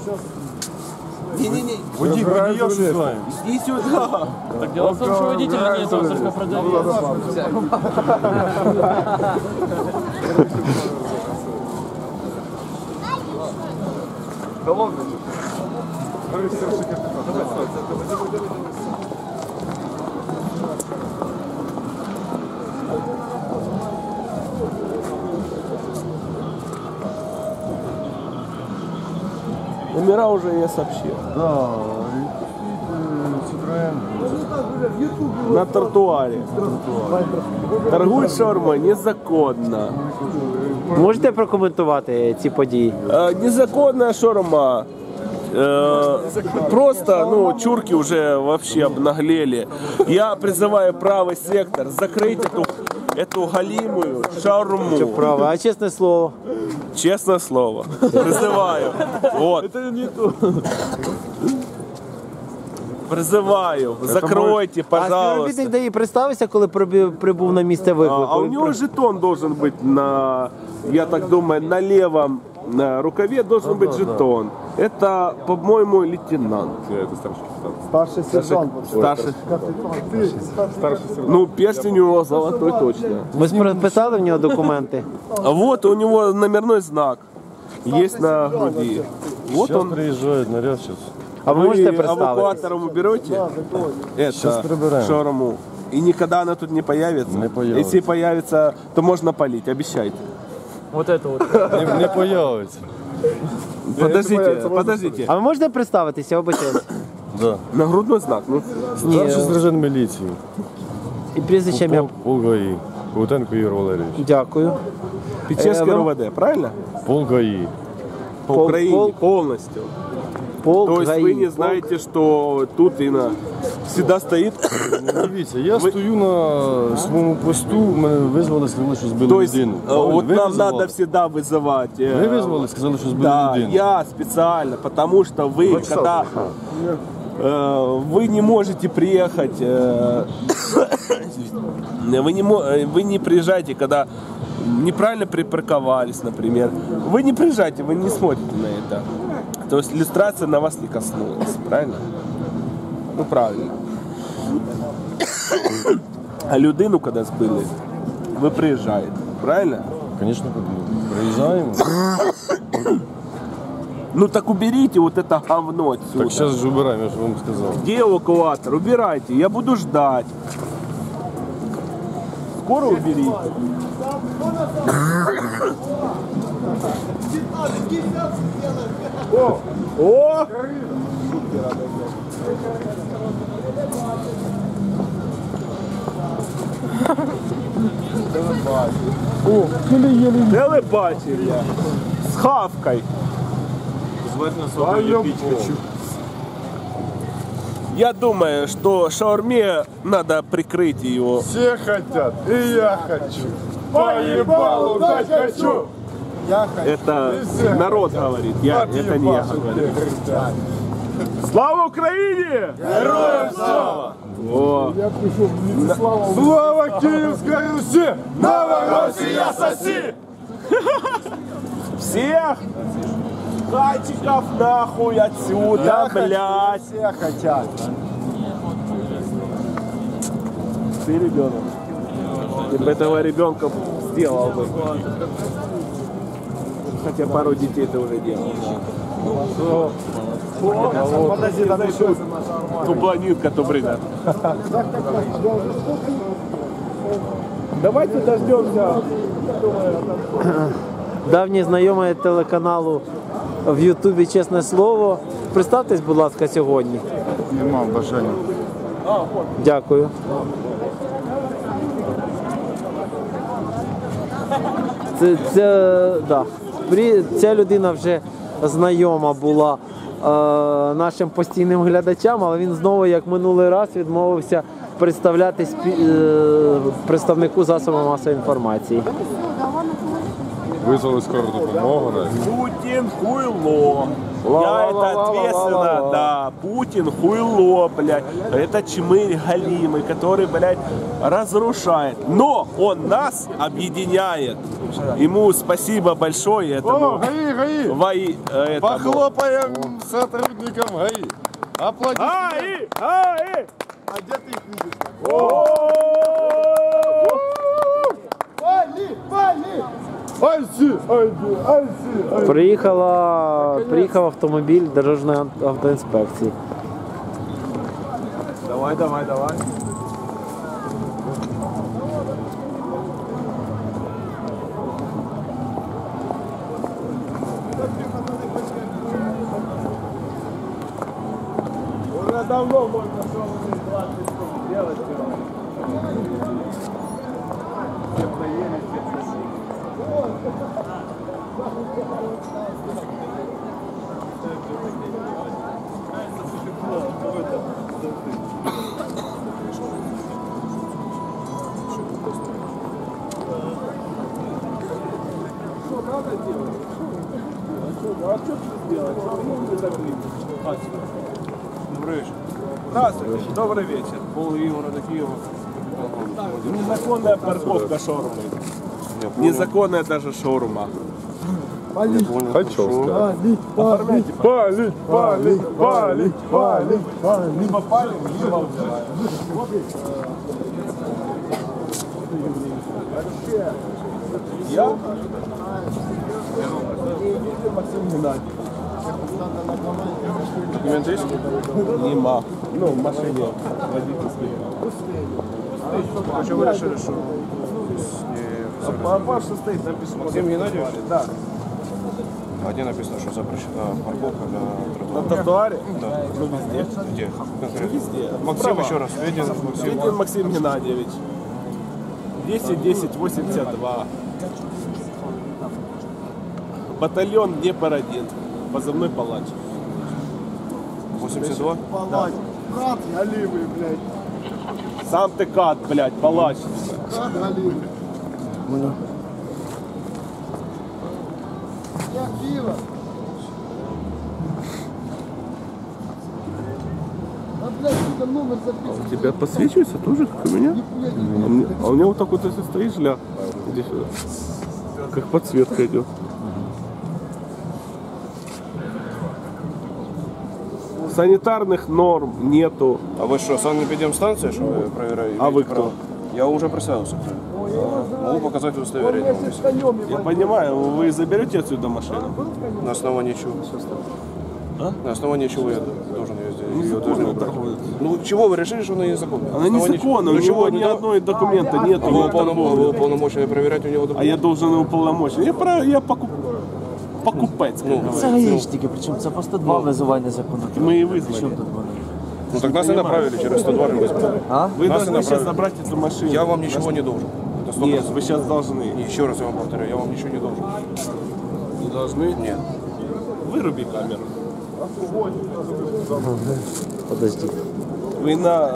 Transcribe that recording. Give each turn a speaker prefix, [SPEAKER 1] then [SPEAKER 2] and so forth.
[SPEAKER 1] Не-не-не.
[SPEAKER 2] Водитель с вами.
[SPEAKER 1] Иди сюда.
[SPEAKER 3] Так дело в том, что водителя нет, он только продавец.
[SPEAKER 1] Номера уже я сообщил.
[SPEAKER 2] Да, Citroën.
[SPEAKER 1] На тротуаре. Торгують шаурмой незаконно.
[SPEAKER 4] Можете прокоментувати ці події?
[SPEAKER 1] Незаконная шаурма. Просто, ну, чурки уже вообще обнаглели. Я призываю правый сектор закрыть эту галимую шаурму.
[SPEAKER 4] Право, а чесне слово?
[SPEAKER 1] Честное слово. Призываю. Вот.
[SPEAKER 2] Это не то.
[SPEAKER 1] Призываю. Закройте,
[SPEAKER 4] А співробітник
[SPEAKER 1] пожалуйста.
[SPEAKER 4] ДАІ представився, коли прибув на місце виклику?
[SPEAKER 1] А у него жетон должен быть на, я так думаю, на левом рукаве должен быть жетон. Это, по-моему, лейтенант.
[SPEAKER 2] Старший сержант.
[SPEAKER 1] Старший. Ну, перстень у него золотой точно.
[SPEAKER 4] Ви спитали в нього документи?
[SPEAKER 1] А вот у него номерной знак. Есть на груди. Вот
[SPEAKER 2] Сейчас
[SPEAKER 1] он.
[SPEAKER 2] приезжает наряд сейчас.
[SPEAKER 4] А ви можете
[SPEAKER 1] Вы
[SPEAKER 4] представити?
[SPEAKER 1] эвакуатором уберете
[SPEAKER 2] Сейчас
[SPEAKER 1] это
[SPEAKER 2] прибираем.
[SPEAKER 1] шаурму. И никогда она тут не появится.
[SPEAKER 2] Не появится.
[SPEAKER 1] Если появится, то можно полить, обещайте.
[SPEAKER 3] Вот это вот.
[SPEAKER 2] Не появится.
[SPEAKER 1] Подождите.
[SPEAKER 4] А ви можете представитися, я вибачаюсь?
[SPEAKER 2] Да.
[SPEAKER 1] Нагрудный знак. Ну,
[SPEAKER 2] Старший сержант міліції.
[SPEAKER 4] І прізвище ім'я?
[SPEAKER 2] Полк ГАІ. Кутенко Ігор Валерійович.
[SPEAKER 4] Дякую.
[SPEAKER 1] Печерский РОВД, правильно?
[SPEAKER 2] Полк ГАІ.
[SPEAKER 1] По Украине полностью.
[SPEAKER 4] Полк
[SPEAKER 1] То есть
[SPEAKER 4] ГАІ.
[SPEAKER 1] вы не знаете, что тут и всегда стоит.
[SPEAKER 2] Дивіться, я стою на своєму посту, мене визвали, сказали, що збили
[SPEAKER 1] То есть
[SPEAKER 2] людину.
[SPEAKER 1] вот
[SPEAKER 2] Ви
[SPEAKER 1] нам
[SPEAKER 2] визивали?
[SPEAKER 1] надо всегда вызывать.
[SPEAKER 2] Ви визвали, сказали, що збили
[SPEAKER 1] Да,
[SPEAKER 2] людину.
[SPEAKER 1] я специально, потому что вы, когда вы не можете приехать, вы не приезжаете, когда неправильно припарковались, например. Вы не приезжаете, вы не смотрите на это. То есть иллюстрация на вас не коснулась, правильно? Ну правильно. А людину, когда збили, ви приїжджаєте, правильно?
[SPEAKER 2] Звісно, приїжджаємо.
[SPEAKER 1] Ну так уберите вот это говно отсюда.
[SPEAKER 2] Так зараз ж убираємо, я ж вам сказав.
[SPEAKER 1] Где эвакуатор? Убирайте, я буду ждать. Скоро уберите. О! Телебачення. З хавкой. Я думаю, что шаурме надо прикрыть ее.
[SPEAKER 2] Все хотят, и я хочу. Поебалу дать хочу.
[SPEAKER 1] Это народ говорит, это не я говорю. Слава Украине!
[SPEAKER 2] Героям слава!
[SPEAKER 1] О.
[SPEAKER 2] Слава Киевской Руси! Новороссия соси!
[SPEAKER 1] Всех хатиков нахуй отсюда, блядь!
[SPEAKER 2] Все хотят.
[SPEAKER 1] Ты ребенок. Ты бы этого ребенка сделал бы. Хотя пару детей ты уже делал.
[SPEAKER 2] Подожди, там еще.
[SPEAKER 1] То планетка, то бригада. Давайте дождемся.
[SPEAKER 4] Давній знайомий телеканалу в Ютубі «Чесне слово». Представтесь, будь ласка, сьогодні.
[SPEAKER 2] Нема бажання.
[SPEAKER 4] Дякую. Ця людина вже знайома була нашим постійним глядачам, але він знову, як минулий раз, відмовився представлятись представнику засобу масової інформації.
[SPEAKER 2] Визвали скору допомогу, да?
[SPEAKER 1] Путин хуйло. Я это ответственно, да. Путин хуйло, блядь. Это чмырь галимый, который, блядь, разрушает. Но он нас объединяет. Ему спасибо большое этому.
[SPEAKER 2] ГАИ!
[SPEAKER 1] Этому.
[SPEAKER 2] Похлопаем сотрудникам ГАИ! Аплодисменты!
[SPEAKER 1] ГАИ!
[SPEAKER 2] А где ты их видишь?
[SPEAKER 4] Приїхав автомобіль Дорожньої автоінспекції.
[SPEAKER 1] Давай. Уже давно можно что-нибудь 20 штук делать. Всем наели, всем сосед. Что надо делать? А что ты сделать?
[SPEAKER 5] Добрый вечер.
[SPEAKER 1] Здравствуйте, добрый вечер.
[SPEAKER 5] Пол города Киева.
[SPEAKER 1] Незаконная парковка шаурмы. Незаконная даже шаурма.
[SPEAKER 2] Хочу сказать.
[SPEAKER 1] Оформляйте.
[SPEAKER 2] Палить!
[SPEAKER 1] Либо палим, либо... Я? Максим Геннадьевич.
[SPEAKER 5] Документы есть?
[SPEAKER 1] Нема. Ну, в машине водительский.
[SPEAKER 5] А что вы решили, что
[SPEAKER 1] А Паша стоит, написано.
[SPEAKER 5] Максим Геннадьевич?
[SPEAKER 1] Да.
[SPEAKER 5] А где написано, что запрещена парковка на
[SPEAKER 1] На
[SPEAKER 5] тротуаре?
[SPEAKER 1] тротуаре?
[SPEAKER 5] Да.
[SPEAKER 1] Ну, везде.
[SPEAKER 5] Где? Конкретно?
[SPEAKER 1] Везде.
[SPEAKER 5] Максим,
[SPEAKER 1] Справа.
[SPEAKER 5] еще раз. Ведин Максим.
[SPEAKER 1] Ведин Максим Геннадьевич. 10-10-82. Батальон Днепр-1. Позывной палач.
[SPEAKER 5] 82?
[SPEAKER 2] Палать! Брат галимый, блядь!
[SPEAKER 1] Сам ты кат, блядь, палач.
[SPEAKER 2] Брат галимый! Я пиво! А, блядь, сука, номер записан.
[SPEAKER 1] У тебя подсвечивается тоже, как у меня? А у меня вот так вот, если стоишь, ля, иди сюда. Как подсветка идет. Санитарных норм нету.
[SPEAKER 5] А вы что, санэпидемстанция, что вы проверяете?
[SPEAKER 1] А вы кто?
[SPEAKER 5] Я уже представился. Могу показать удостоверение.
[SPEAKER 1] Я понимаю, вы заберете отсюда машину?
[SPEAKER 5] На основании чего?
[SPEAKER 1] А?
[SPEAKER 5] На основании чего я должен ее сделать? Ее
[SPEAKER 1] Незаконно
[SPEAKER 5] должны убрать.
[SPEAKER 1] торгует.
[SPEAKER 5] Ну чего вы решили, что она незаконная?
[SPEAKER 1] Она незаконна, у
[SPEAKER 5] Ну, чего?
[SPEAKER 1] него ни одной документа нет.
[SPEAKER 5] А вы уполномочены проверять у него
[SPEAKER 1] А
[SPEAKER 5] документы?
[SPEAKER 1] я должен его полномочия. Я покупать.
[SPEAKER 5] Ну,
[SPEAKER 3] Це гаїшники, причому це по 102 визиває незаконно.
[SPEAKER 1] Мы и вызвали.
[SPEAKER 3] Чому тут вони?
[SPEAKER 5] ну так нас и направили через 102 же вызвали.
[SPEAKER 3] А?
[SPEAKER 1] Вы
[SPEAKER 5] Нас и
[SPEAKER 1] должны сейчас
[SPEAKER 5] направили.
[SPEAKER 1] забрать эту машину.
[SPEAKER 5] Я вам ничего не должен. Это 100%.
[SPEAKER 1] Нет, вы сейчас должны.
[SPEAKER 5] Еще раз я вам повторяю, я вам ничего не должен.
[SPEAKER 1] Не должны?
[SPEAKER 5] Нет.
[SPEAKER 1] Выруби камеру.
[SPEAKER 4] Подожди.
[SPEAKER 1] Вы на